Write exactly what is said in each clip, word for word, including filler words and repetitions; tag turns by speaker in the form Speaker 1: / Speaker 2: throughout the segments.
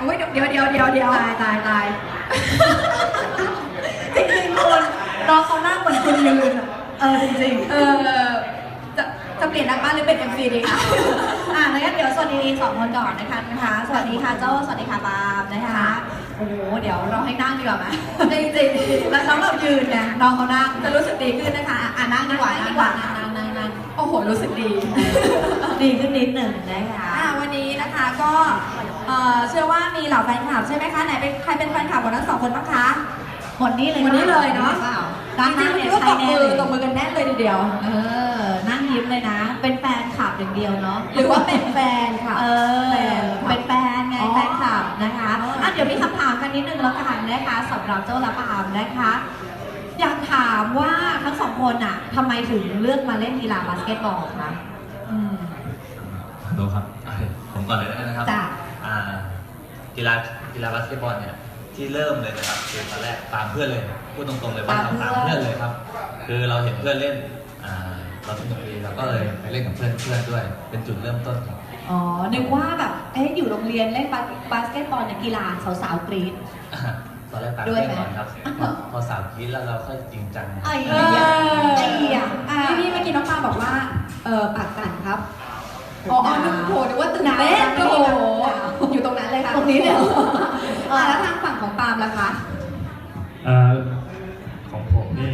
Speaker 1: โอ้ยเดี๋ยวเดี๋ยวเดี๋ยวเดี๋ยวตายตายตายจริงๆคุณน้องเขาหน้าเหมือนคุณยืนเออจริงๆเออจะจะเปลี่ยนนักบ้านหรือเป็น เอ็ม ซี ดีคะอ่ะงั้นเดี๋ยวสวัสดีสองคนก่อนนะคะนะคะสวัสดีค่ะโจ้สวัสดีค่ะปาล์มนะคะโอ้โหเดี๋ยวเราให้นั่งดีกว่าไหมจริงๆแล้วน้องเรายืนไงน้องเขานั่งจะรู้สึกดีขึ้นนะคะอ่ะนั่งดีกว่านั่งดีกว่านั่งนั่งนั่งโอ้โหรู้สึกดีดีขึ้นนิดหนึ่งนะคะอ่ะวันนี้นะคะก็เอ่อเชื่อว่ามีเหล่าแฟนคลับใช่ไหมคะไหนเป็นใครเป็นแฟนคลับของทั้งสองคนบ้างคะหมดนี้เลยหมดนี้เลยเนาะด้านหน้าเนี่ยใช้แน่เลยตบมือกันแน่เลยทีเดียวเออนั่งยิ้มเลยนะเป็นแฟนคลับอย่างเดียวเนาะหรือว่าเป็นแฟนค่ะเออเป็นแฟนไงแฟนคลับนะคะอ่ะเดี๋ยวมีคำถามกันนิดนึงแล้วกันนะคะสำหรับโจ้และปาล์มนะคะอยากถามว่าทั้งสองคนอ่ะทำไมถึงเลือกมาเล่นกีฬาบาสเกตบอลคะอืม
Speaker 2: ดูครับผมก่อนเลยนะครับ
Speaker 1: จ้ะ
Speaker 2: อ่ากีฬากีฬาบาสเกตบอลเนี่ยที่เริ่มเลยนะครับคือตอนแรกตามเพื่อนเลยพูดตรงๆเลยว่าเราตามเพื่อนเลยครับคือเราเห็นเพื่อนเล่นอ่าเราสนุกดีเราก็เลยไปเล่นกับเพื่อนเพื่อนด้วยเป็นจุดเริ่มต้นครับ
Speaker 1: อ๋อนึกว่าแบบเอ๊ะอยู่โรงเรียนเล่นบาสเกตบอลเนี่ยกีฬาสาวๆกรี๊ด
Speaker 2: ตอนแรกตามเพื่อนก่อนครับพอพอสาวคิดแล้วเราค่อยจริงจัง
Speaker 1: ไอ้เหี้ยไอ้เหี้ยพี่พี่เมื่อกี้น้องปาบอกว่าเออปากสั่นครับอ๋อนึกโผล่นึกว่าตื่นเต้นโอ้โหอยู่ตรงนั้นเลยค่ะตรงนี้เลยอ่าแล้วทางฝั่งของปาล์มล่ะคะ
Speaker 3: เอ่อของผมนี่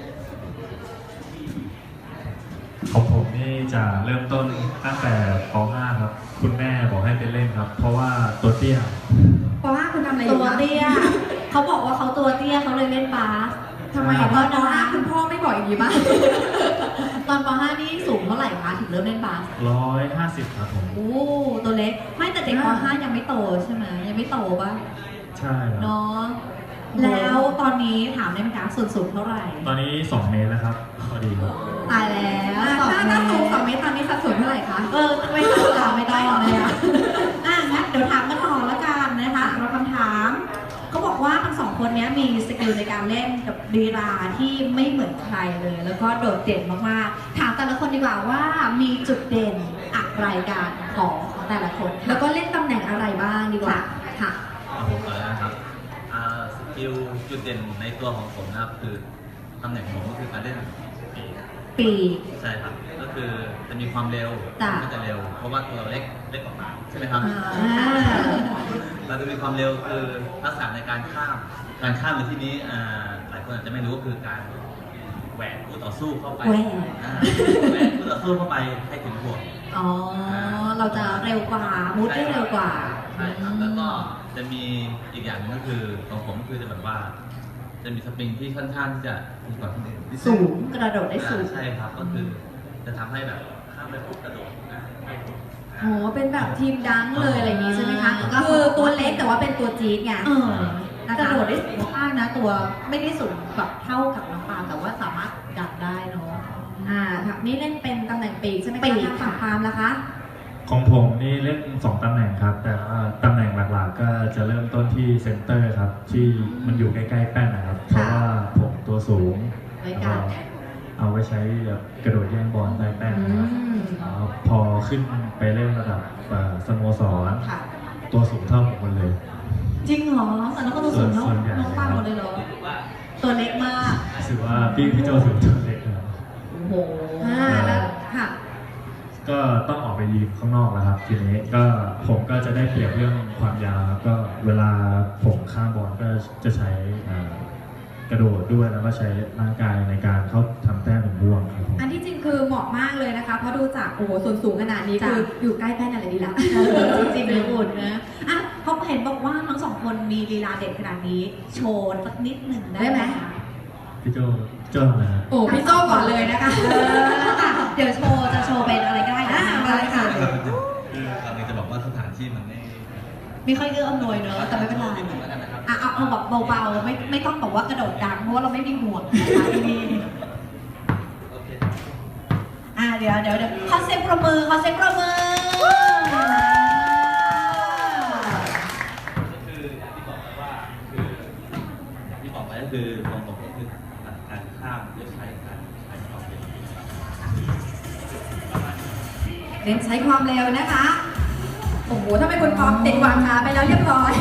Speaker 3: ของผมนี่จะเริ่มต้นตั้งแต่ป .ห้า ครับคุณแม่บอกให้ไปเล่นครับ เพราะว่าตัวเตี้ย
Speaker 1: ปห้าคุณทำอะไรอยู่ตัวเตี้ยเขาบอกว่าเขาตัวเตี้ยเขาเลยเล่นบาสทำไมตอนปห้าคุณพ่อไม่บอกอย่างนี้บ้างตอนปห้านี่สูงเท่าไหร่คะถึงเริ่มเล่นบาส
Speaker 3: ร้อยห้าสิบครับผม
Speaker 1: โอ้ตัวเล็กไม่แต่เด็กปห้ายังไม่โตใช่ไหมยังไม่โตป่ะ
Speaker 3: ใช่ครับ
Speaker 1: เนาะแล้วตอนนี้ถามได้ไหมคะส่วนสูงเท่าไหร่
Speaker 3: ตอนนี้สองเมตรแล้วครับพอดีครับ
Speaker 1: ตายแล้วถ้าถ้าสูงสองเมตรตอนนี้สัดส่วนเท่าไหร่คะเออไม่ต้องถามไม่ได้เลยอ่ะอ่ะงั้นเดี๋ยวถามกันต่อละกันนะคะเราคำถามเขาบอกว่าทั้งสองคนนี้มีสกิลในการเล่นกับลีลาที่ไม่เหมือนใครเลย แล้วก็โดดเด่นมากๆถามแต่ละคนดีกว่าว่ามีจุดเด่นอะไรกันของของแต่ละคน แล้วก็เล่นตำแหน่งอะไรบ้างดีกว่าค่ะ
Speaker 2: เอาผมก่อนเลยนะครับอ่าสกิลจุดเด่นในตัวของผมนะครับคือตำแหน่งของผมก็คือการเล่นปีก
Speaker 1: ปี
Speaker 2: ใช่ครับก็คือจะมีความเร็ว
Speaker 1: จ้ะ
Speaker 2: ก็จะเร็ว เพราะว่าตัวเราเล็กเล็กกว่าปากใช่ไหมครับ
Speaker 1: อ่า
Speaker 2: เราจะมีความเร็วคือลักษณะในการข้ามการข้ามในที่นี้อ่าหลายคนอาจจะไม่รู้ก็คือการแหวกคู่ต่อสู้เข้าไป
Speaker 1: แหวก
Speaker 2: อ่าแหวกคู่ต่อสู้เข้าไปให้ถึงห่วง
Speaker 1: อ๋อ เราจะเร็วกว่า มูดได้เร็วกว่า
Speaker 2: ใช่ครับแล้วก็จะมีอีกอย่างหนึงก็คือของผมก็คือจะแบบว่า จะมีสปริงที่ค่อนข้างที่จะดีกว่าคนอื่น
Speaker 1: สูงกระโดดได้สูง
Speaker 2: ใช่ครับก็คือจะทำให้แบบข้ามไปปุ๊บกระโดดนะ
Speaker 1: โห เป็นแบบทีมดังเลยอะไรอย่างงี้ใช่ไหมคะ ก็คือตัวเล็กแต่ว่าเป็นตัวจี๊ดไงเออกระโดดได้สูงมากนะ ตัวไม่ได้สูงแบบเท่ากับน้องปาล์มแต่ว่าสามารถดันได้เนาะ อ่าค่ะนี่เล่นเป็นตำแหน่งปีกใช่ไหมคะทางฝั่งปาล์มล่ะคะ
Speaker 3: ของผมนี่เล่นสองตำแหน่งครับ แต่ว่าตำแหน่งหลักๆก็จะเริ่มต้นที่เซนเตอร์ครับ ที่มันอยู่ใกล้ๆแป้นนะครับ เพราะว่าผมตัวสูง
Speaker 1: ไว้กัน
Speaker 3: เอาไว้ใช้แบบกระโดดแย่งบอลใต้แป้นนะครับ
Speaker 1: อืม
Speaker 3: แล้วพอขึ้นไปเล่นระดับเอ่อสโมสร
Speaker 1: ค่ะ
Speaker 3: ตัวสูงเท่าผมหมดเลย
Speaker 1: จริงเหรอแต่น้องก็ตัวสูงเท่า
Speaker 3: ส่วนใหญ่
Speaker 1: น้องปาล์มหมดเลยเหรอ ตัวเล็กมาก
Speaker 3: รู้สึกว่าพี่พี่โจสูงตัวเล็กนะครับ
Speaker 1: โอ้โหอ่าแล้วค่ะ
Speaker 3: ก็ต้องออกไปยืนข้างนอกแล้วครับ ทีนี้ก็ผมก็จะได้เปรียบเรื่องความยาวครับก็เวลาผมข้ามบอลก็จะใช้อ่ากระโดดด้วยแล้วก็ใช้ร่างกายในการเข้าทำแต้มเป็นบ่วงครับผม
Speaker 1: อันที่จริงคือเหมาะมากเลยนะคะ เพราะดูจากโอ้โหส่วนสูงขนาดนี้คืออยู่ใกล้แป้นอะไรดีละจริงๆเลยอุ่นนะอ่ะเขาเห็นบอกว่าทั้งสองคนมีลีลาเด็ดขนาดนี้ โชว์สักนิดหนึ่งได้ไหม
Speaker 3: พี่โจโจทำอะไรครับ
Speaker 1: โอ้พี่โจ้ก่อนเลยนะคะเดี๋ยวโชว์จะโชว์เป็นอะไรก็ได้นะมาเลยค่ะ
Speaker 2: คือตอนนี้จะบอกว่าสถานที่มันไม่
Speaker 1: ไม่ค่อยเอื้ออำนวยเนอะแต่ไม่เป็นไร
Speaker 2: นิดนึงแล้วกันนะครับ
Speaker 1: อ่ะเอาเอาแบบเบาๆไม่ไม่ต้องบอกว่ากระโดดดังเพราะว่าเราไม่มีห่วงนะคะที่นี่
Speaker 2: โอเค
Speaker 1: อ่ะเดี๋ยวเดี๋ยวเดี๋ยวขอเสียงประมือขอเสียงประมือ
Speaker 2: ก็คืออย่างที่บอกไปว่าคืออย่างที่บอกไปก็คือของผมก็คือการข้ามด้วยใช้การใช้ความเร็วประมาณนี้
Speaker 1: เน้นใช้ความเร็วนะคะ โอ้โหถ้าเป็นคนพร้อมติดวางขาไปแล้วเรียบร้อย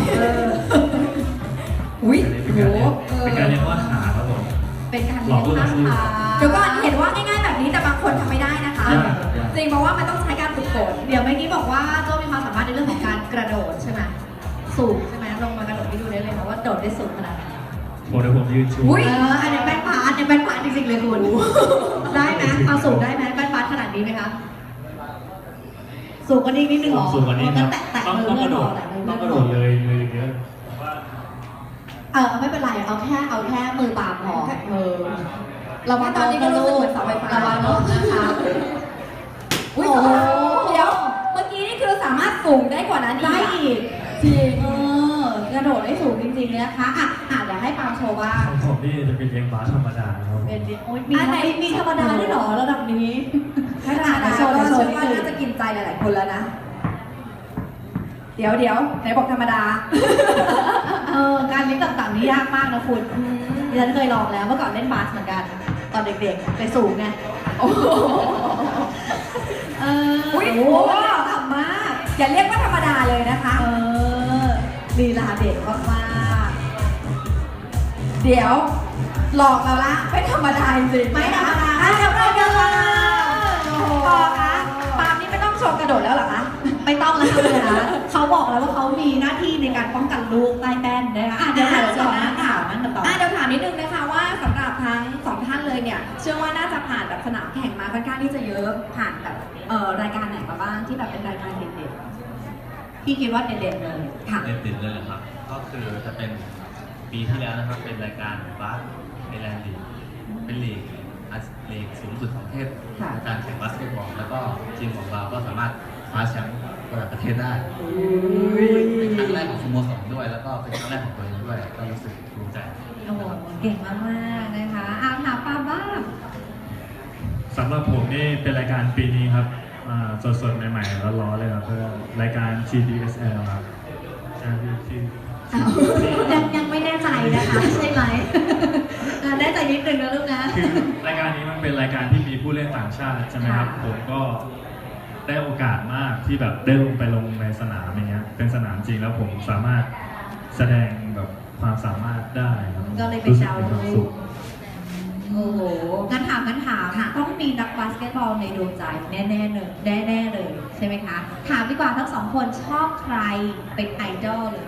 Speaker 3: หลอกลูกอาชีพ
Speaker 1: เดี๋ยวก่อนเห็นว่าง่ายๆแบบนี้แต่บางคนทำไม่ได้นะคะ
Speaker 3: ยากยาก
Speaker 1: จริงเพราะว่ามันต้องใช้การฝึกฝนเดี๋ยวเมื่อกี้บอกว่าโจ้มีความสามารถในเรื่องของการกระโดดใช่ไหมสูงใช่ไหมลงมากระโดดให้ดูได้เลยนะว่าโดดได้สูงขนาดไหน
Speaker 3: โมเดลผมยืนชู
Speaker 1: อุ้ยเอออันนี้แป้นพาร์ทอันนี้แป้นพาร์ทจริงๆเลยคุณได้ไหมเอาสูงได้ไหมแป้นพาร์ทขนาดนี้ไหมคะสูงกว่านี้นิดนึงเหรอ
Speaker 3: สูงกว่านี้ครับ
Speaker 1: แตะแตะ
Speaker 3: ต้อง
Speaker 1: มือ
Speaker 3: ต้องก
Speaker 1: เพื่อ
Speaker 3: ระ
Speaker 1: น
Speaker 3: โด
Speaker 1: หรอ
Speaker 3: ด
Speaker 1: แตะมือ
Speaker 3: ต้องก
Speaker 1: เพื่
Speaker 3: ระ
Speaker 1: อน
Speaker 3: โด
Speaker 1: หรอ
Speaker 3: ดเลยเลยเยอะผมว่า
Speaker 1: เออไม่เป็นไรเอาแค่เอาแค่มือปากพอเออเราว่า
Speaker 4: ตอนนี้ก็รู้สึกเหมือนเสาไฟฟ้า
Speaker 1: ระวังรถนะคะ
Speaker 4: อุ้ย
Speaker 1: โอ้โห
Speaker 4: เดี๋ยว เมื่อกี้นี่คือสามารถสูงได้กว่านั้น
Speaker 1: ได้
Speaker 4: อีก
Speaker 1: อีก
Speaker 4: จริง
Speaker 1: เออกระโดดได้สูงจริงๆเลยนะคะอ่ะอ่ะเดี๋ยวให้ปาล์มโชว์บ้าง
Speaker 3: ของผมนี่จะเป็นเลี้ยงบาสธรรมดาครับ
Speaker 1: เป็นดิโอ้ยมีไหนมีธรรมดาด้วยเหรอระดับนี้
Speaker 4: ธรรมดา
Speaker 1: โชว์
Speaker 4: ก็
Speaker 1: โช
Speaker 4: เชื่
Speaker 1: ว์
Speaker 4: อ
Speaker 1: นิด
Speaker 4: ว่า
Speaker 1: นึ
Speaker 4: น่าง จะกินใจหลายๆคนแล้วนะ เดี๋ยวเดี๋ยวไหนบอกธรรมดา
Speaker 1: เออการเลี้ยงต่างๆนี่ยากมากนะคุณดิฉันเคยลองแล้วเมื่อก่อนเล่นบาสเหมือนกัน ตอนเด็กๆไปสูงไง
Speaker 4: โอ้โห
Speaker 1: เออ
Speaker 4: อุ้ย
Speaker 1: โอ้
Speaker 4: โอ้
Speaker 1: โห
Speaker 4: โหต่ำมาก อย่าเรียกว่าธรรมดาเลยนะคะ
Speaker 1: เออลีลาเด็ดมากๆ
Speaker 4: เดี๋ยวหลอกเราละไม่ธรรมดาจริงๆ
Speaker 1: ไม่ธรรมดา
Speaker 4: อ่ะเดี๋ยวเราเดี๋ยวเรา
Speaker 1: โอ้โห
Speaker 4: ต่อคะปาล์มนี่ไม่ต้องโชว์กระโดดแล้วเหรอคะ
Speaker 1: ไม่ต้องแล้วค่ะเลยนะเขาบอกแล้วว่าเขามีหน้าที่ในการป้องกันลูกใต้แป้นนะคะอ่ะเดี๋ยวเราจะมาถามมันต่อ
Speaker 4: อ่ะเดี๋ยวถามนิดนึงนะคะว่าสำหรับทั้งสองท่านเลยเนี่ย เชื่อว่าน่าจะผ่านแบบสนามแข่งมาค่อนข้างที่จะเยอะผ่านแบบเอ่อรายการไหนมาบ้างที่แบบเป็นรายการเด่น
Speaker 1: พี่คิดว่าเด่นๆเลย
Speaker 4: ๆค่ะ
Speaker 2: เด่นติดเลยเหรอครับ ก็คือจะเป็นปีที่แล้วนะครับ เป็นรายการบาสไอแลนด์ลีกเป็นลีกอาลีกสูงสุดของประเทศ
Speaker 4: ค่ะ
Speaker 2: ในการแข่งบาสเกตบอลแล้วก็ทีมของเราก็สามารถคว้าแชมป์ระดับประเทศได้ เป็นครั้งแรกของสโมสรด้วย แล้วก็เป็นครั้งแรกของตัวเองด้วย ก็รู้สึกภูมิใจ
Speaker 1: โอ้โหเก่งมากๆนะคะอาถามปาบ้าง
Speaker 3: สำหรับผมนี่เป็นรายการปีนี้ครับอ่าสดๆใหม่ๆร้อนๆเลยครับเพื่อรายการ ที ดี เอส แอล ครับใช่ที่ที่
Speaker 1: ยังยังไม่แน่ใจนะคะใช่ไหมอ่ะแน่ใจนิดนึงนะลูกนะ
Speaker 3: คือรายการนี้มันเป็นรายการที่มีผู้เล่นต่างชาติใช่ไหมครับ
Speaker 1: ค่ะ
Speaker 3: ผมก็ได้โอกาสมากที่แบบได้ลงไปลงในสนามอย่างเงี้ยเป็นสนามจริงแล้วผมสามารถแสดงแบบความสามารถได้ครับ
Speaker 1: ก็เลยเป็น
Speaker 3: รู้สึก
Speaker 1: ดาว
Speaker 3: มีความ
Speaker 1: รุ่
Speaker 3: สุ
Speaker 1: ง
Speaker 3: ข
Speaker 1: โอ้โหงั้นถามงั้นถามต้องมีนักบาสเกตบอลในดวงใจแน่ๆเลยแน่ๆเลยใช่ไหมคะถามดีกว่าทั้งสองคนชอบใครเป็นไอดอลเลย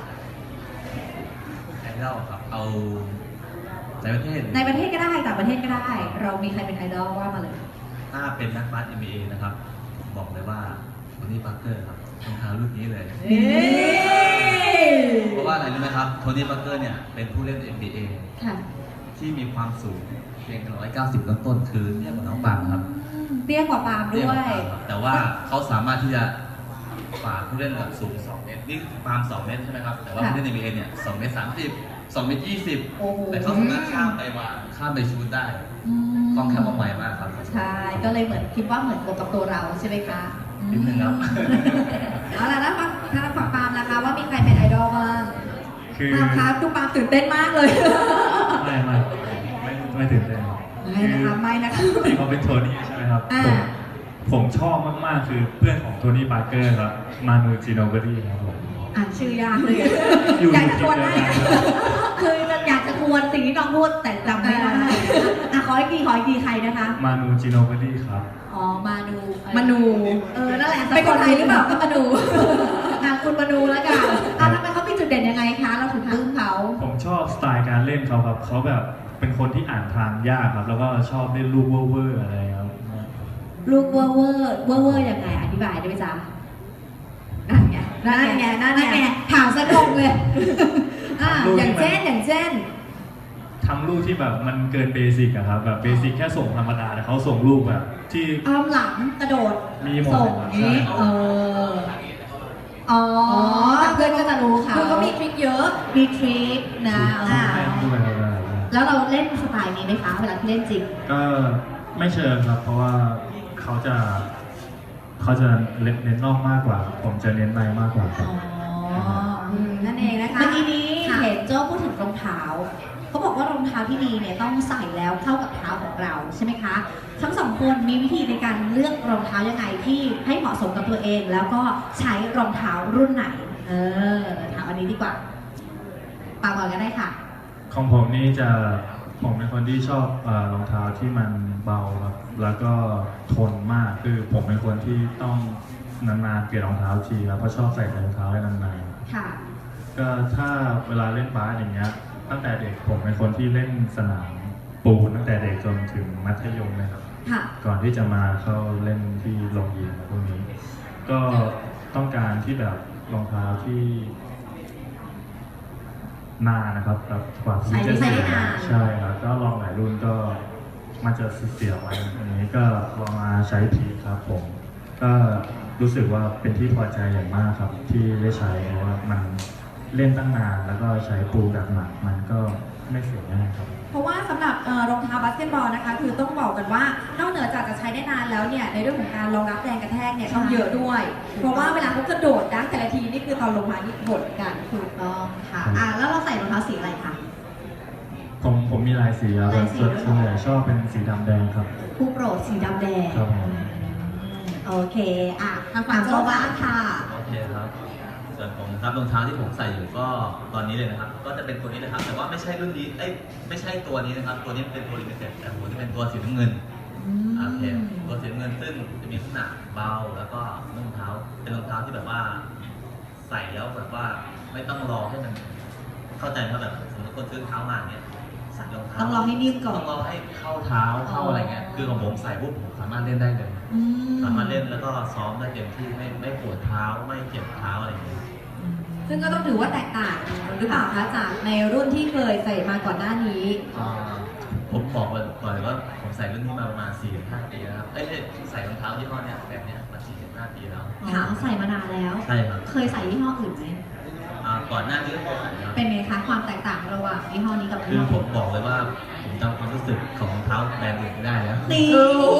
Speaker 2: ไอดอลครับ เอาในประเทศ
Speaker 1: ในประเทศก็ได้ต่างประเทศก็ได้ เรามีใครเป็นไอดอลว่ามาเลย
Speaker 2: ถ้าเป็นนักบาส เอ็น บี เอ นะครับ บอกเลยว่าโทนี่ปาร์เกอร์ครับรองเท้ารุ่นนี้เลย เพราะว่าอะไรรู้ไหมครับ โทนี่ปาร์เกอร์เนี่ยเป็นผู้เล่น เอ็น บี เอ
Speaker 1: ค่ะ
Speaker 2: ที่มีความสูงเพียงหนึ่งร้อยเก้าสิบต้นๆคือเทียบกับน้องปางครับ
Speaker 1: เตี้ยกว่าปาล์ม
Speaker 2: เทียบ
Speaker 1: ด้ว
Speaker 2: กับ
Speaker 1: ย
Speaker 2: ปางครับแต่ว่าเขาสามารถที่จะฝ่าผู้เล่นระดับสูงสองเมตร นี่ปาล์มสองเมตรใช่ไหมครับ แต่ว่า
Speaker 1: ค่ะ
Speaker 2: ผู้เล่น เอ็น บี เอ เนี่ยสองเมตรสามสิบ สองเมตรยี่สิบ
Speaker 1: โอ้โห
Speaker 2: แต่เขาสามารถข้ามไปวางข้ามไปชูดได้
Speaker 1: อืม
Speaker 2: คล่องแคล่วว่องไวมากครับ
Speaker 1: ใช่ ก็เลยเหมือนคิดว่าเหมือนกับตัวเราใช่ไหมคะ
Speaker 2: นิดนึงครับ
Speaker 4: เอาล่ะแล้วฝั่งทางฝั่งปาล์มนะคะว่ามีใครเป็นไอดอลบ้าง
Speaker 3: คือ
Speaker 4: ปาล์มคะดูปาล์มตื่นเต้นมากเลย
Speaker 3: ไม่ไม่ไม่ไม่ตื่นเต้น
Speaker 4: ไม่นะคะไม่นะคะ
Speaker 3: ที่เขาเป็นโทนี่ใช่ไหมครับ
Speaker 4: อ่า
Speaker 3: ผมผมชอบมากๆคือเพื่อนของโทนี่ปาร์เกอร์ครับมานูจิโนเบอรี่ครับผม
Speaker 1: อ่านชื่อยากเลย
Speaker 3: อยู่
Speaker 4: อยากจะทวนให้
Speaker 3: ทีมเดียวกัน
Speaker 1: คืออยากจะทวนสิ่งที่น้องพูดแต่จำไม่ได้อ่ะขออีกทีขออีกทีใครนะคะ
Speaker 3: มานูจิโนเบอรี่ครับ
Speaker 1: อ๋อ มานู
Speaker 4: มนู
Speaker 1: เออ นั่นแหละ
Speaker 4: เป็นคนไทยหรือเปล่าก็มาดู
Speaker 1: อ่ะคุณมาดูแล้วกันอ่ะทำไมเขามีจุดเด่นยังไงคะ เราถึงปลื้มเขา
Speaker 3: ผมชอบสไตล์การเล่นเขาครับเขาแบบเป็นคนที่อ่านทางยากครับ แล้วก็ชอบเล่นลูกเวอร์ๆอะไรครับ
Speaker 1: ลูกเวอร์เวอร์เวอร์เวอร์ยังไง อธิบายได้ไหมจ๊ะนั่นไง
Speaker 4: นั่นไงนั่นไง
Speaker 1: ถามสะดงเลย
Speaker 4: อ่าอย่างเช่นอย่างเช่น
Speaker 3: ทำลูกที่แบบมันเกินเบสิกอะครับแบบเบสิกแค่ส่งธรรมดาแต่เขาส่งลูกแบบที่
Speaker 1: อ้อมหลังกระโดด
Speaker 3: มีหมด
Speaker 1: ส่ง
Speaker 3: เลยครับ
Speaker 1: นี้
Speaker 3: ใช่
Speaker 1: เออ อ๋อ
Speaker 4: อ๋อ
Speaker 1: แต่เพื่อนก็จะรู้เขา
Speaker 4: คือเขามีทริคเยอะ
Speaker 1: มีทริคนะ
Speaker 4: อ่า
Speaker 1: อ๋อ
Speaker 3: ด้วยอะไร
Speaker 1: แล้วเราเล่นสไตล์นี้ไหมคะ เวลาที่เล่นจริง
Speaker 3: ก็ไม่เชิงครับ เพราะว่าเขาจะเขาจะเน้นเน้นนอกมากกว่า ผมจะเน้นในมากกว่าครับ
Speaker 1: อ๋อ
Speaker 4: อืมนั่นเองนะคะ
Speaker 1: เมื่อกี้นี้
Speaker 4: ค่ะ
Speaker 1: เห็นโจ้พูดถึงรองเท้า เขาบอกว่ารองเท้าที่ดีเนี่ยต้องใส่แล้วเข้ากับเท้าของเราใช่ไหมคะ ทั้งสองคนมีวิธีในการเลือกรองเท้ายังไงที่ให้เหมาะสมกับตัวเอง แล้วก็ใช้รองเท้ารุ่นไหน เออถามอันนี้ดีกว่าปาก่อนก็ได้ค่ะ
Speaker 3: ของผมนี่จะผมเป็นคนที่ชอบเออรองเท้าที่มันเบาครับแล้วก็ทนมากคือผมเป็นคนที่ต้องนานๆเปลี่ยนรองเท้าทีครับเพราะชอบใส่รองเท้าให้นานๆ
Speaker 4: ค่ะ
Speaker 3: ก็ถ้าเวลาเล่นบาสอย่างเงี้ยตั้งแต่เด็กผมเป็นคนที่เล่นสนามปูนตั้งแต่เด็กจนถึงมัธยมเลยครับ
Speaker 4: ค่ะ
Speaker 3: ก่อนที่จะมาเข้าเล่นที่โรงยิมพวกนี้ ก็ต้องการที่แบบรองเท้าที่นานนะครับแบบกว่าที่จะ
Speaker 4: ใส่
Speaker 3: เสี
Speaker 4: ได้
Speaker 3: ย
Speaker 4: นาน
Speaker 3: ใช่ครับก็ลองหลายรุ่นก็มันจะเสียไว้อันนี้ก็ลองมาใช้พีครับผม ก็รู้สึกว่าเป็นที่พอใจอย่างมากครับ ที่ได้ใช้เพราะว่ามันเล่นตั้งนานแล้วก็ใช้ปูแบบหนักมันก็ไม่เสียง่ายครับ
Speaker 4: เพราะว่าสำหรับเอ่อรองเท้าบาสเกตบอลนะคะ คือต้องบอกกันว่านอกเหนือจากจะใช้ได้นานแล้วเนี่ยในเรื่องของการรองรับแรงกระแทกเนี่ยต้องเยอะด้วย เพราะว่าเวลาเขากระโดดดังแต่ละทีนี่คือตอนลงมานี่กดกัน
Speaker 1: ถูกต้องค่ะอ่ะแล้วเราใส่รองเท้าสีอะไรคะ
Speaker 3: ผมผมมีลายสีครับ
Speaker 1: ลายสี
Speaker 3: ส่วน
Speaker 1: ด้วย
Speaker 3: ส่วนใหญ่ชอบเป็นสีดำแดงครับ
Speaker 1: ผู้โปรดสีดำแดง
Speaker 3: ครับผม
Speaker 1: อืมโอเคอ่ะทางฝั่งโซบ้างค่ะ
Speaker 2: โอเคครับ ส่วนผมนะครับรองเท้าที่ผมใส่อยู่ก็ตอนนี้เลยนะครับ ก็จะเป็นตัวนี้นะครับ แต่ว่าไม่ใช่รุ่นนี้ เอ้ยไม่ใช่ตัวนี้นะครับ ตัวนี้เป็นตัวลิมิเต็ดแต่ผมจะเป็นตัวสีน้ำเงิน
Speaker 1: อืม
Speaker 2: โอเคตัวสีน้ำเงินซึ่งจะมีขนาดเบาแล้วก็รองเท้าเป็นรองเท้าที่แบบว่าใส่แล้วแบบว่าไม่ต้องรอให้มันเข้าใจว่าแบบสมมติคนซื้อเท้ามาเนี่ยใส่รองเท้า
Speaker 1: ต้องรอให้นิ่มก่อน
Speaker 2: ต้องรอให้เข้าเท้าเข้าอะไรเงี้ยคือของผมใส่ปุ๊บผมสามารถเล่นได้เลย
Speaker 1: อืม
Speaker 2: สามารถเล่นแล้วก็ซ้อมได้เต็มที่ไม่ไม่ปวดเท้าไม่เจ็บเท้าอะไรอย่างเงี้ย
Speaker 4: ซึ่งก็ต้องถือว่าแตกต่างหรือเปล่าคะจากในรุ่นที่เคยใส่มาก่อนหน้านี้
Speaker 2: อ่าผมบอกเลยก่อนเลยว่าผมใส่รุ่นนี้มาประมาณสี่ถึงห้าปีแล้วครับเอ้ยใส่รองเท้ายี่ห้อเนี้ยแบบเนี้ยมาสี่ถึงห้าปีแล้ว
Speaker 1: อ๋อใส่มานานแล้ว
Speaker 2: ใช่ครับ
Speaker 1: เคยใส่ยี่ห้ออื่นไหม
Speaker 2: อ่าก่อนหน้านี้ก็เคยใส่ครับ
Speaker 1: เป็นไงคะความแตกต่างระหว่างยี่ห้อนี้กับ
Speaker 2: คื
Speaker 1: ยี่
Speaker 2: อ
Speaker 1: ห้อ
Speaker 2: ผมบอกเลยว่าผมจำความรู้สึกของรองเท้าแบรนด์อื่นไม่ได้แล้ว
Speaker 1: นี่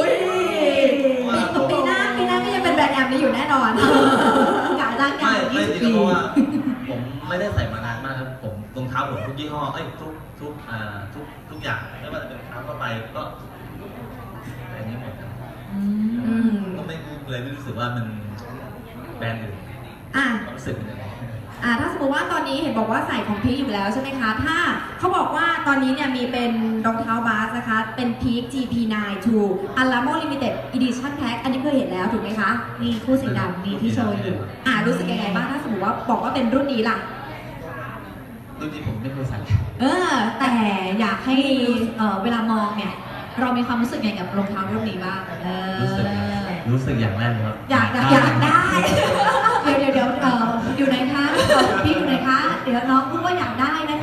Speaker 4: ปีหน้าปีหน้าก็ยังเป็นแบรนด์แอมนี้อยู่แน่นอน
Speaker 1: กะร่างกา
Speaker 2: ไม่
Speaker 1: ย
Speaker 2: ไม่
Speaker 1: ยี่สิบ
Speaker 2: จริง
Speaker 1: ปี
Speaker 2: ๆเพราะว่าผมไม่ได้ใส่มานานมากครับผมรองเท้าผมทุกยี่ห้อเอ้ยทุกทุกอ่าทุกทุกอย่างไม่ว่าจะเป็นรองเท้าเข้าไปก็แบบนี้หมดครับ
Speaker 1: อืม
Speaker 2: ก็ไม่เลยไม่รู้สึกว่ามันแบรนด์อื่น
Speaker 4: อ่ะ
Speaker 2: ความรู้สึกเป็นยังไง
Speaker 4: อ่าถ้าสมมติว่าตอนนี้เห็นบอกว่าใส่ของพีคอยู่แล้วใช่ไหมคะ ถ้าเขาบอกว่าตอนนี้เนี่ยมีเป็นรองเท้าบาสนะคะ เป็นพีค จี พี ไนน์ ทู Alamo Limited Edition Pack อันนี้เคยเห็นแล้วถูกไหมคะ
Speaker 1: นี่คู่สีดำนี่ที่โชว์อยู่
Speaker 4: อ่ารู้สึกยังไงบ้างถ้าสมมติว่าบอกว่าเป็นรุ่นนี้ล่ะ
Speaker 2: รุ่นที่ผมไม่เคยใส่
Speaker 1: เออ แต่อยากให้เอ่อเวลามองเนี่ย เรามีความรู้สึกไงกับรองเท้ารุ่นนี้บ้างเออ
Speaker 2: รู้สึกรู้สึกอย่างแรกเลยครับ
Speaker 1: อยากอยากได้ เดี๋ยวเดี๋ยวเดี๋ยวเอ่ออยู่ไหนคะเอ่อพี่อยู่ไหนคะ เดี๋ยวน้องพูดว่าอยากได้นะคะ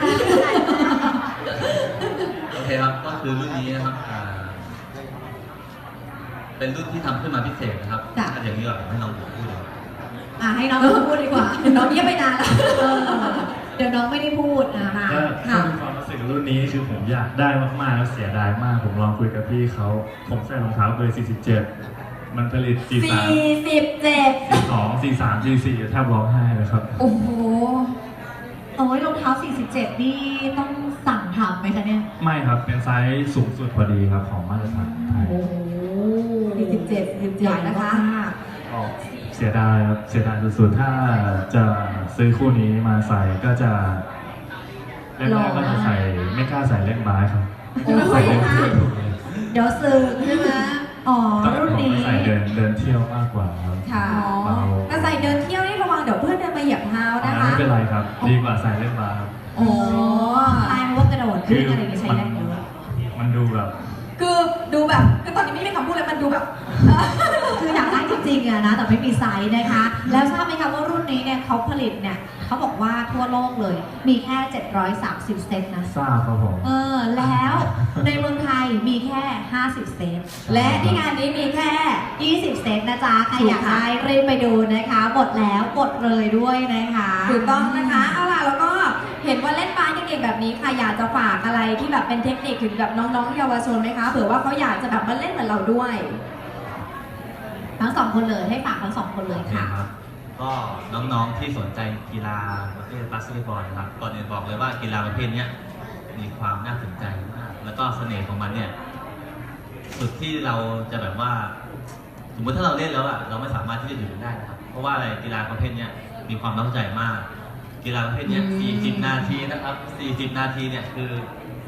Speaker 2: โอเคครับก็คือรุ่นนี้นะครับอ่าเป็นรุ่นที่ทำขึ้นมาพิเศษนะครับ
Speaker 1: จ้ะ
Speaker 2: ถ้าอย่างนี้ก่อนผมให้น้องผมพูดเลย
Speaker 1: อ่ะให้น้องพูดดีกว่า
Speaker 4: น้องเงียบไปนานแล้ว
Speaker 1: เออเดี๋ยวน้องไม่ได้พูดนะคะ
Speaker 3: ก็ถ้ามีความรู้สึกรุ่นนี้คือผมอยากได้มากๆแล้วเสียดายมาก ผมลองคุยกับพี่เขาผมใส่รองเท้าเบอร์สี่สิบเจ็ดมันผลิตสี่สาม
Speaker 1: สี่สิบเจ็ด
Speaker 3: สี่สองสี่สามสี่สี่แทบร้องไห้เลยครับ
Speaker 1: โอ้โหโอ้ยรองเท้าสี่สิบเจ็ดนี่ต้องสั่งทำไหมคะเนี่ย
Speaker 3: ไม่ครับเป็นไซส์สูงสุดพอดีครับของมาตรฐานไทย
Speaker 1: โอ้โห
Speaker 4: สี่สิบเจ็ด สี่สิบเจ็ดนะคะ
Speaker 3: ก็เสียดายครับเสียดายสุดๆถ้าจะซื้อคู่นี้มาใส่ก็จะแรกๆก็จะใส่ไม่กล้าใส่เล่นบาสครับ
Speaker 1: โอ้โห
Speaker 3: ใส่เล่นเที่ยว
Speaker 1: เดี๋ยวซื้อใช่ไหมอ๋อ
Speaker 3: ตอน
Speaker 1: รุ่น
Speaker 3: ผม
Speaker 1: นี้
Speaker 3: ไม่ใส่เดินเดินเที่ยวมากกว่าครับ
Speaker 4: ค่ะ
Speaker 3: เบา
Speaker 4: แต่ใส่เดินเที่ยวนี่ระวังเดี๋ยวเพื่อนเดินมาเหยียบเท้า
Speaker 3: อ๋อ
Speaker 4: นะคะ
Speaker 3: ไม่เป็นไรครับ ดีกว่าใส่เล่นบาสครับ
Speaker 1: โอ้ตายเพราะว่ากระโดดขึ้นอะไรอย่างงี้ใช้แรงเยอะ
Speaker 3: มันดูแบบ
Speaker 4: คือดูแบบคือตอนนี้ไม่มีคำพูดเลยมันดูแบบ
Speaker 1: คืออยากได้จริงๆอะนะ แต่ไม่มีไซส์นะคะ แล้วทราบไหมคะว่ารุ่นนี้เนี่ยเขาผลิตเนี่ยเขาบอกว่าทั่วโลกเลย มีแค่ เจ็ดร้อยสามสิบ เซตนะ
Speaker 3: ทราบครับผม
Speaker 1: เออ แล้วในเมืองไทยมีแค่ ห้าสิบ เซต
Speaker 4: และที่งานนี้มีแค่
Speaker 1: ยี่สิบ เซตนะจ๊ะ ใครอยากได้รีบไปดูนะคะหมดแล้วกดเลยด้วยนะคะ
Speaker 4: ถูกต้องนะคะเอาล่ะแล้วก็เห็นว่าเล่นบาสเก่งๆแบบนี้ค่ะอยากจะฝากอะไรที่แบบเป็นเทคนิคถึงแบบน้องๆเยาวชนไหมคะเผื่อว่าเขาอยากจะแบบมาเล่นเหมือนเราด้วย
Speaker 1: ทั้งสองคนเลยให้ฝากทั้งสองคนเลยค่ะ
Speaker 2: ครับก็น้องๆที่สนใจกีฬาประเภทบาสเกตบอลนะครับก่อนอื่นบอกเลยว่ากีฬาประเภทเนี้ยมีความน่าสนใจมากแล้วก็เสน่ห์ของมันเนี่ยสุดที่เราจะแบบว่า สมมติถ้าเราเล่นแล้วอะเราไม่สามารถที่จะหยุดมันได้นะครับเพราะว่าอะไรกีฬาประเภทเนี้ยมีความตั้งใจมาก กีฬาประเภทเนี้ย
Speaker 1: อืม
Speaker 2: สี่สิบ นาทีนะครับ สี่สิบ นาทีเนี่ยคือ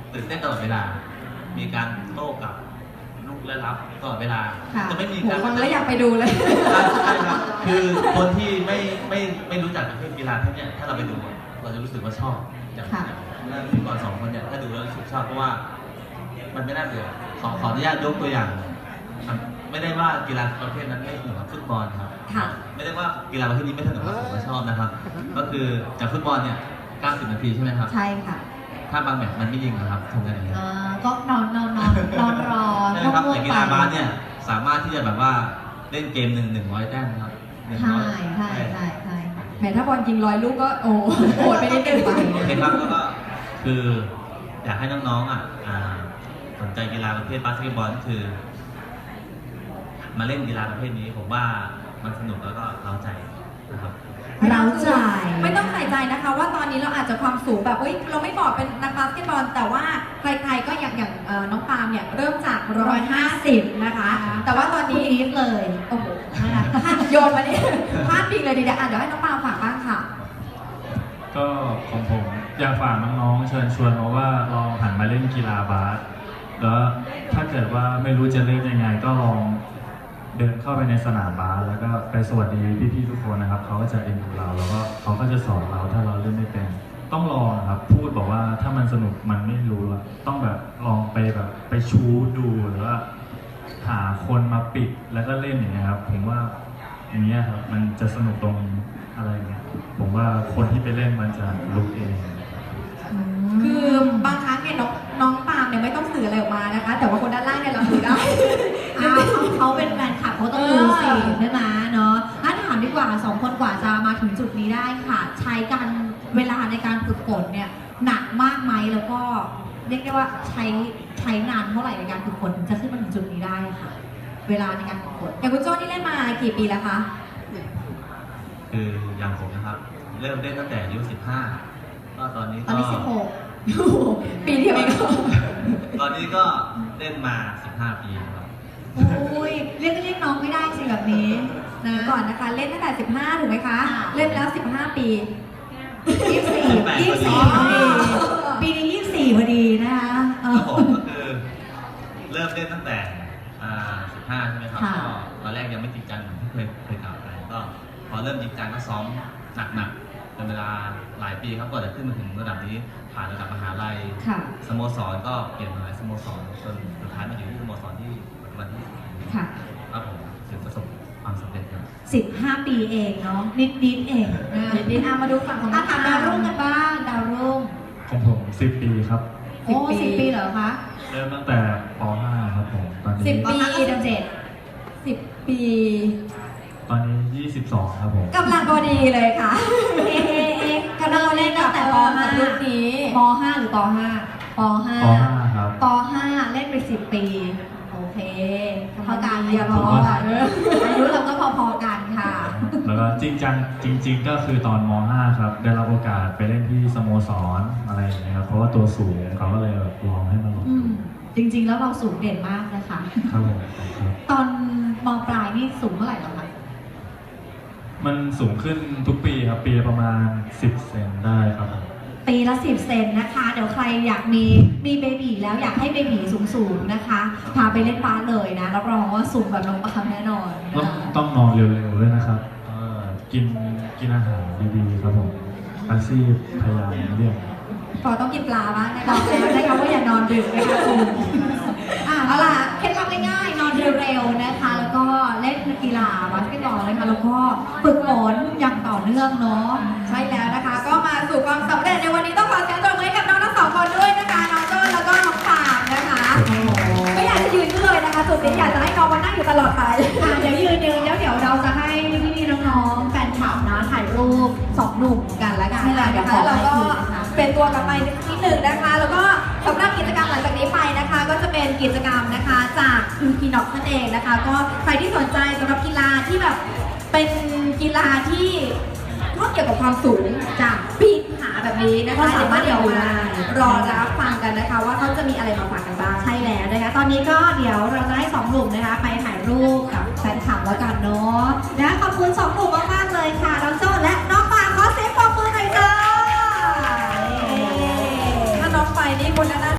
Speaker 2: ตื่นเต้นตลอดเวลา มีการโต้กลับลูกและรับตลอดเวลา
Speaker 4: ค่ะ
Speaker 2: จะไม่มี
Speaker 4: โห
Speaker 2: การ
Speaker 4: ฟังแล้วอยากไปดูเลย
Speaker 2: ใช่ครับคือคนที่ไม่ไม่ไม่รู้จักประเภทกีฬาพวกเนี้ยถ้าเราไปดูเราจะรู้สึกว่าชอบอย่าง
Speaker 4: ค่ะ
Speaker 2: อย่างพิธีกรสองคนเนี่ยถ้าดูแล้วรู้สึกชอบเพราะว่ามันไม่น่าเบื่อขอขออนุญาตยกตัวอย่างครับไม่ได้ว่ากีฬาประเภทนั้นไม่สนุกกับฟุตบอลครับ
Speaker 4: ค่ะ
Speaker 2: ไม่ได้ว่ากีฬาประเภทนี้ไม่สนุกกับผมก็ชอบนะครับ ก็คือจากฟุตบอลเนี่ยเก้าสิบนาทีใช่ไหมครับ
Speaker 4: ใช่ค่ะ
Speaker 2: ถ้าบางแมตช์มันไม่ยิงนะครับทำกันอย่างนี้ย
Speaker 1: อ่าก็นอนนอนนอนนอนรอ
Speaker 2: ใช่ไหมครับ
Speaker 1: ง่ว
Speaker 2: แต่
Speaker 1: งๆ
Speaker 2: กีฬาบาสเนี่ยสามารถที่จะแบบว่าเล่นเกมหนึ่งหนึ่งร้อยแต้มนะครับหนึ่ง
Speaker 1: ใช่
Speaker 2: ร้อย
Speaker 1: ใช่ใช่ใช่
Speaker 4: แหมถ้าบอลยิงร้อยลูกก็โอ้โหดไปนิดนึง
Speaker 2: โอเคครับแล้วก็คืออยากให้น้องๆอ่ะอ่าสนใจกีฬาประเภทบาสเกตบอลคือ มาเล่นกีฬาประเภทนี้ผมว่ามันสนุกแล้วก็เร้าใจนะครับ
Speaker 1: เราใจ
Speaker 4: ไม่ต้องใส่ใจนะคะว่าตอนนี้เราอาจจะความสูงแบบเอ้ยเราไม่บอกเป็นนักบาสเกตบอล แต่ว่าใครๆก็อย่างอย่างเอ่อน้องปาล์มเนี่ยเริ่มจากหนึ่งร้อยห้าสิบนะคะ แต่ว่าตอน
Speaker 1: คุณ
Speaker 4: นี้
Speaker 1: อีฟเลย
Speaker 4: โอ้โหโยนมาเนี่ยพลาดพิงเลยดีเดี๋ยวอ่ะเดี๋ยวให้น้องปาล์มฝากบ้างค่ะ
Speaker 3: ก็ของผมอยากฝากน้องๆเชิญชวนมาว่าลองหันมาเล่นกีฬาบาสแล้วถ้าเกิดว่าไม่รู้จะเล่นยังไงก็ลองเดินเข้าไปในสนามบาสแล้วก็ไปสวัสดีพี่ๆทุกคนนะครับเขาก็จะเอ็นดูเราแล้วก็เขาก็จะสอนเราถ้าเราเล่นไม่เป็น ต้องลองนะครับพูดบอกว่าถ้ามันสนุกมันไม่รู้อะต้องแบบลองไปแบบไปชูดูหรือว่าหาคนมาปิดแล้วก็เล่นอย่างเงี้ยครับผมว่าอย่างเงี้ยครับมันจะสนุกตรงอะไรเงี้ยผมว่าคนที่ไปเล่นมันจะรู้เอง
Speaker 4: คือบางครั้งเนี่ยน้องน้องปาล์มเนี่ยไม่ต้องสื่ออะไรออกมานะคะ แต่ว่าคนด้านล่างเนี่ยเราดูได้
Speaker 1: อ้าวเขาเขาเป็นแฟนคลับเขาต้องดูสิใช่ไหมเนาะถ้าถามดีกว่าสองคนกว่าจะมาถึงจุดนี้ได้ค่ะ ใช้การเวลาในการฝึกฝนเนี่ยหนักมากไหมแล้วก็เรียกได้ว่าใช้ใช้นานเท่าไหร่ในการฝึกฝนถึงจะขึ้นมาถึงจุดนี้ได้ค่ะ เวลาในการฝึกฝน
Speaker 4: อย่างคุณโจ้นี่เล่นมากี่ปีแล้วคะ
Speaker 2: คืออย่างผมนะครับ เริ่มเล่นตั้งแต่อายุสิบห้าก็ตอนนี้
Speaker 1: ตอน
Speaker 2: ก็
Speaker 1: นี้สิบหก
Speaker 4: ปีเดียวเองเหรอ
Speaker 2: ตอนนี้ก็เล่นมาสิบห้าปีครับ
Speaker 1: อุ้ยเรียกเรียกน้องไม่ได้สิแบบนี้นะ
Speaker 4: ก่อนนะคะ เล่นตั้งแต่สิบห้าถูกไหมคะ
Speaker 1: ค่ะ
Speaker 4: เล่นแล้วสิบห้าปี
Speaker 1: ยี่สิบสี่ยี่สิบสี่พอดีปีนี้ยี่สิบสี่พอดีนะคะเอ
Speaker 2: ค
Speaker 1: อ
Speaker 2: รับผมก็คือเริ่มเล่นตั้งแต่อ่าสิบห้าใช่ไหมครับ
Speaker 1: ค่ะ
Speaker 2: ก็ตอนแรกยังไม่จริงจังเหมือนที่เคยเคยกล่าวไปก็พอเริ่มจริงจังก็ซ้อมหนักๆเป็นเวลาหลายปีครับกว่าจะขึ้นมาถึงระดับนี้ผ่านระดับมหาลัย
Speaker 4: ค่ะ
Speaker 2: สโมสรก็เปลี่ยนมาหลายสโมสรจนสุดท้ายมาอยู่ที่สโมสรที่ปัจจุบันที่
Speaker 4: ค่ะ
Speaker 2: ครับผมถึงประสบความสำเร็จครับ
Speaker 1: สิบห้าปีเองเนาะนิดนิดๆเองนะ
Speaker 4: นิดๆอ่ะมาดูฝั่งของ
Speaker 1: อ่ะถามดาวรุ่งกันบ้างดาวรุ่ง
Speaker 3: ของผมสิบปีครับ
Speaker 1: โอ้สิบปีเหรอคะ
Speaker 3: เริ่มตั้งแต่ป ห้าครับผมตอนนี้
Speaker 4: สิบ
Speaker 1: ปี
Speaker 4: ปี
Speaker 1: เดือนเจ็ด
Speaker 4: สิบปี
Speaker 3: ตอนนี้ยี่สิบสองครับผม
Speaker 4: กำลังพอดีเลยค่ะ
Speaker 1: เอ๊ะเอ๊ะเอ๊ะ
Speaker 4: กำลังเล่นตั้งแต่ป .ห้า รุ่นนี้
Speaker 1: ป ห้าหรือป ห้าป ห้า
Speaker 3: ป ห้าครับ
Speaker 1: ป ห้าเล่นไปสิบปี โอเคเท่ากัน
Speaker 4: อย่า
Speaker 1: พ
Speaker 4: บอก
Speaker 1: อ
Speaker 4: ว่า
Speaker 1: กันอายุเราก็พอๆกันค่ะ
Speaker 3: แล้วก็จริงจังจริง ๆ ก็คือตอนม ห้าครับได้รับโอกาสไปเล่นที่สโมสรอะไรอย่างเงี้ยครับเพราะว่าตัวสูงเขาก็เลยแบบลองให้มาลอง
Speaker 1: อืมจริงๆ แล้วเราสูงเด่นมากนะคะ
Speaker 3: ครับผมครับ
Speaker 1: ตอนมปลายนี่สูงเท่าไหร่แล้วคะ
Speaker 3: มันสูงขึ้นทุกปีครับปีละประมาณสิบเซนได้ครับผม
Speaker 1: ปีละสิบเซนนะคะ เดี๋ยวใครอยากมีมีเบบีแล้วอยากให้เบบีสูงๆนะคะ พาไปเล่นบาสเลยนะรับรองว่าสูงแบบน้องปาล์มแน่นอน
Speaker 3: ต้อง
Speaker 1: นะคะ
Speaker 3: ต้องนอนเร็วๆด้วยนะครับเอ่อกินกินอาหารดีๆครับผมอาชีพพยายามเลี่ยง
Speaker 4: พอต้องกินปลาบ้างนะ
Speaker 1: บ
Speaker 4: คะ
Speaker 1: อกแล้วนะคะว่าอย่านอนดึกนะคะคุณอ่ะ
Speaker 4: เอา
Speaker 1: เอา
Speaker 4: ล่ะ
Speaker 1: ล่ะเคล็ดลับง่ายๆนอนเร็วๆนะคะ แล้วก็เล่นกีฬาบาสเกตบอลนะคะแล้วก็ฝึกฝนอย่างต่อเนื่องเนาะ
Speaker 4: ใช่แล้วนะคะ ก็มาสู่ความสำเร็จในวันนี้ต้องขอเสียงปรบมือให้กับน้องทั้งสองคนด้วยนะคะน้องโจ้แล้วก็น้องปาล์มนะคะ ไม่อยากจะยืนขึ้นเลยนะคะจุดนี้อยากจะให้น้องมานั่งอยู่ตลอดไป
Speaker 1: อ่ะเดี๋ยวยืนยืนแล้วเดี๋ยวเราจะให้พี่ๆน้องๆแฟนคลับนะถ่ายรูปสองหนุ่มกันแล้วกัน
Speaker 4: ใช่แล้ว
Speaker 1: เดี๋
Speaker 4: นะ
Speaker 1: ยวข
Speaker 4: คะ
Speaker 1: อ
Speaker 4: แล้ว
Speaker 1: ไป
Speaker 4: เราก็
Speaker 1: คืนนะคะ
Speaker 4: เป็นตัวกลับไปนิดหนึ่งนะคะ แล้วก็สำหรับกิจกรรมหลังจากนี้ไปนะคะ ก็จะเป็นกิจกรรมนะคะจากคือพีน็อกนั่นเองนะคะ ก็ใครที่สนใจสำหรับกีฬาที่แบบเป็นกีฬาที่ชอบเกี่ยวกับความสูงจากปีนผาแบบนี้นะคะ
Speaker 1: ก็สามารถ
Speaker 4: เดี๋ยว
Speaker 1: ดู
Speaker 4: มา
Speaker 1: ได้
Speaker 4: รอรับฟังกันนะคะ ว่าเขาจะมีอะไรมาฝากกันบ้าง
Speaker 1: ใช่แล้วนะคะ ตอนนี้ก็เดี๋ยวเราจะให้สองหนุ่มนะคะไปถ่ายรูปกับแฟนคลับแล้วกันเนาะนะขอบคุณสองหนุ่มมากๆเลยค่ะน้องโจ้และน้องปาล์มขอเสียงปรบมือหน่อยจ้า
Speaker 4: ถ้าน้องไปนี่คนนั้น